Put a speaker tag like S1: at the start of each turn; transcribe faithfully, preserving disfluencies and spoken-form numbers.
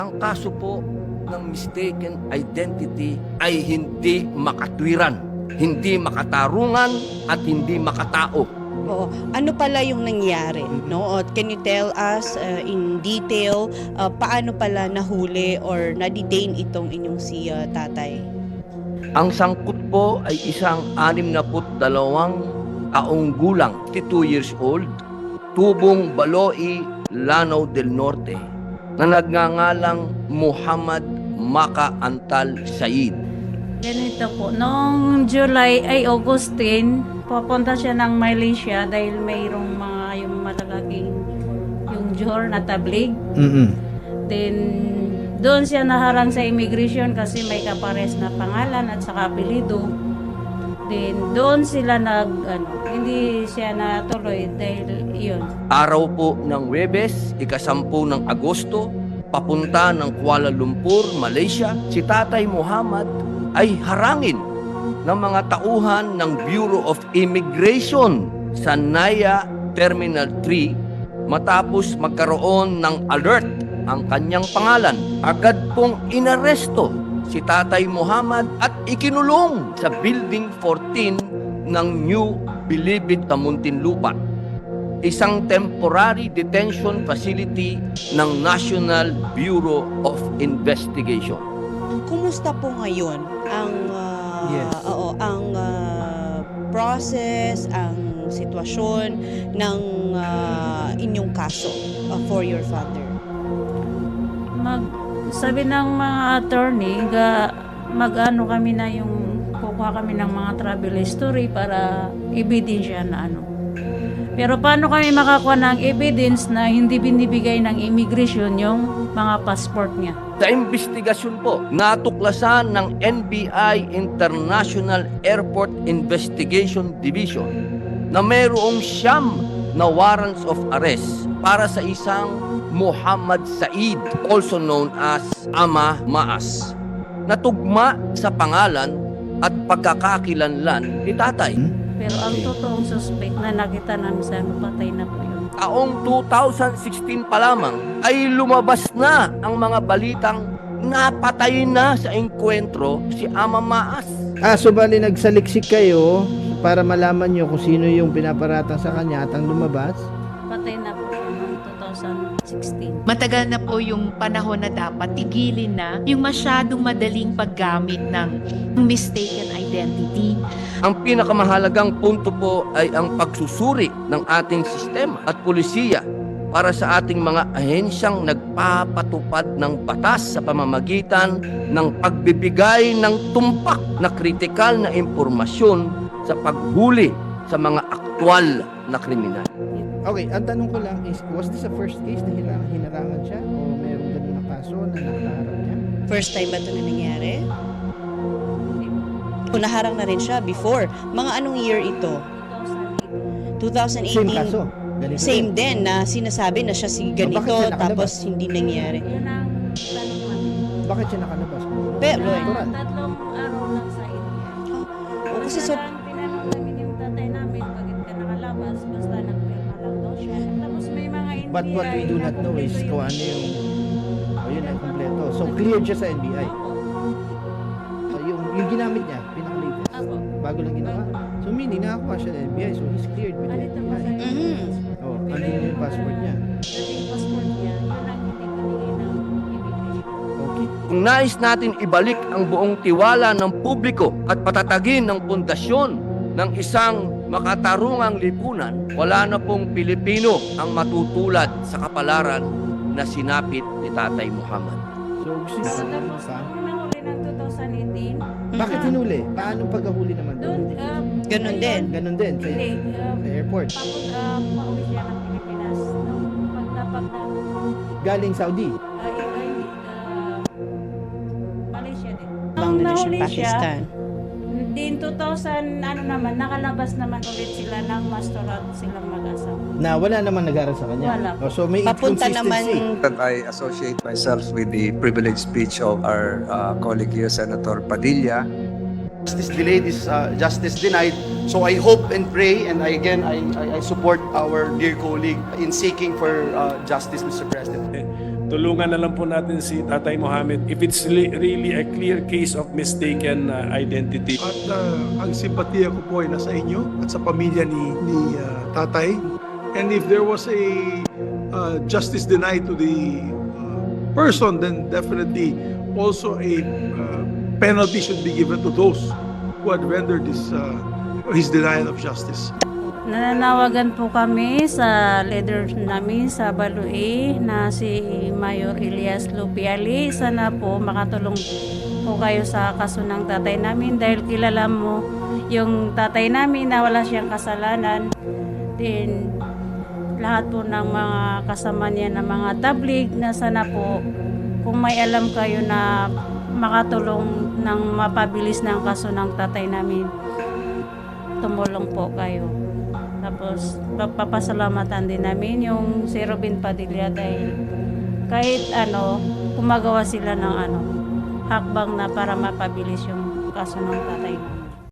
S1: Ang kaso po ng mistaken identity ay hindi makatwiran, hindi makatarungan at hindi makatao.
S2: Oo. Ano pala yung nangyari, no? Can you tell us uh, in detail uh, paano pala nahuli or na-detain itong inyong si uh, tatay?
S1: Ang sangkot po ay isang anim na put dalawang taong gulang, fifty-two years old, tubong Baloi, Lanao del Norte, na nagngangalang Muhammad Maka Antal Said.
S3: Ganito po, noong July ay Augustine, papunta siya ng Malaysia dahil mayroong mga yung malalaking yung Johor na tablig.
S4: Mm-mm.
S3: Then doon siya naharang sa immigration kasi may kapares na pangalan at saka apelido. Then doon sila nag ano, hindi siya natuloy dahil yun.
S1: Araw po ng Huwebes, ikasampu ng Agosto, papunta ng Kuala Lumpur, Malaysia, si Tatay Muhammad ay harangin ng mga tauhan ng Bureau of Immigration sa Naya Terminal three matapos magkaroon ng alert ang kanyang pangalan. Agad pong inaresto si Tatay Muhammad at ikinulong sa Building fourteen ng New Bilibid na Muntinlupa, isang temporary detention facility ng National Bureau of Investigation.
S2: Kumusta po ngayon ang uh,
S4: Yes.
S2: oo, ang uh, process, ang sitwasyon ng uh, inyong kaso uh, for your father?
S3: Mag sabi ng mga attorney, ga, mag-ano kami na yung kukuha kami ng mga travel history para ebidensya na ano. Pero paano kami makakuha ng evidence na hindi binibigay ng immigration yung mga passport niya?
S1: Sa investigasyon po, natuklasan ng N B I International Airport Investigation Division na mayroong siyam na warrants of arrest para sa isang Muhammad Said, also known as Ama Maas, na tugma sa pangalan at pagkakakilanlan ni tatay.
S3: Pero ang totoong suspect na nakita namin sa ano, patay na po yun.
S1: Taong two thousand sixteen pa lamang ay lumabas na ang mga balitang napatay na sa engkwentro si Ama Maas.
S4: Ah, so bali nagsaliksik kayo para malaman nyo kung sino yung pinaparatang sa kanya at ang lumabas?
S3: Patay na po siya noong two thousand sixteen.
S5: Matagal na po yung panahon na dapat tigilin na yung masyadong madaling paggamit ng mistaken identity.
S1: Ang pinakamahalagang punto po ay ang pagsusuri ng ating sistema at pulisiya para sa ating mga ahensyang nagpapatupad ng batas sa pamamagitan ng pagbibigay ng tumpak na kritikal na impormasyon sa paghuli sa mga aktwal na kriminal.
S4: Okay, ang tanong ko lang is, was this the first case na hinarang, hinarangan siya o mayroong ganun na kaso na nakaharap niya?
S2: First time ba ito na nangyari? O naharang na rin siya before. Mga anong year ito? twenty eighteen?
S4: Same kaso? Ganito
S2: Same
S4: rin?
S2: din na sinasabi na siya si ganito
S4: bakit siya nakalabas?
S2: tapos hindi nangyari.
S3: Yun ang tanong namin.
S4: Bakit siya nakalabas?
S2: Pero,
S3: Ah,
S4: Natural.
S3: tatlong araw lang sa India.
S2: o kasi so,
S3: Basta lang tinanong namin yung tatay namin, bakit ka nakalabas? Basta nagpirma lang daw siya. Tapos may mga N B I
S4: But what we do not know is kung ano yung, oh, yun ang kompleto. So cleared siya sa N B I. So, yung, yung ginamit niya, pinaka-latest.
S3: Apo.
S4: Bago lang ginawa. So meaning, nakakuha siya ng N B I. So he's cleared with the
S3: Alito
S4: N B
S3: pa
S4: I.
S3: sa
S2: Mhm.
S4: Oh, ano yung password niya?
S3: dating passport niya, yun ang hindi binigay ng immigration.
S4: Okay.
S1: Kung nais natin ibalik ang buong tiwala ng publiko at patatagin ng pundasyon ng isang makatarungang lipunan, wala na pong Pilipino ang matutulad sa kapalaran na sinapit ni Tatay Muhammad.
S4: So gusto niya
S3: So,
S4: ano
S3: tapos
S4: pa?
S3: nung nahuli ng twenty eighteen,
S4: Bakit hinuli? Paano paghahuli naman
S3: doon,
S4: doon?
S3: uh,
S2: Ganun din.
S4: Ganon din sa,
S3: hindi, uh,
S4: sa airport.
S3: tapos uh, pauwi siya ng Pilipinas. Nung pagdapat na,
S4: Galing Saudi.
S3: uh, ay, ay, uh, Malaysia din. Nung
S2: Bangladesh
S3: nahuli
S2: and Pakistan.
S3: siya, din two thousand, ano naman, nakalabas naman ulit sila ng mastorat silang mag-asawa.
S4: Na wala naman nag-aral sa kanya.
S3: Wala.
S4: Oh, so may
S2: Papunta
S4: inconsistency.
S2: naman
S6: That I associate myself with the privileged speech of our uh, colleague here, Senator Padilla.
S7: Justice delayed is uh, justice denied. So I hope and pray, and I, again, I, I, I support our dear colleague in seeking for uh, justice, Mister President.
S8: tulungan na lang po natin si Tatay Mohammed if it's li- really a clear case of mistaken uh, identity.
S9: At uh, ang simpatiya ko po ay nasa inyo at sa pamilya ni, ni uh, tatay. And if there was a uh, justice denied to the uh, person, then definitely also a uh, penalty should be given to those who had rendered this, uh, his denial of justice.
S3: Nananawagan po kami sa leader namin sa Balue na si Mayor Elias Lupiali. Sana po makatulong po kayo sa kaso ng tatay namin dahil kilala mo yung tatay namin na wala siyang kasalanan. Then, lahat po ng mga kasama niya na mga tablig na sana po kung may alam kayo na makatulong ng mapabilis ng kaso ng tatay namin, tumulong po kayo. Tapos, papasalamatan din namin yung si Robin Padilla dahil kahit ano, gumagawa sila ng ano, hakbang na para mapabilis yung kaso ng tatay namin.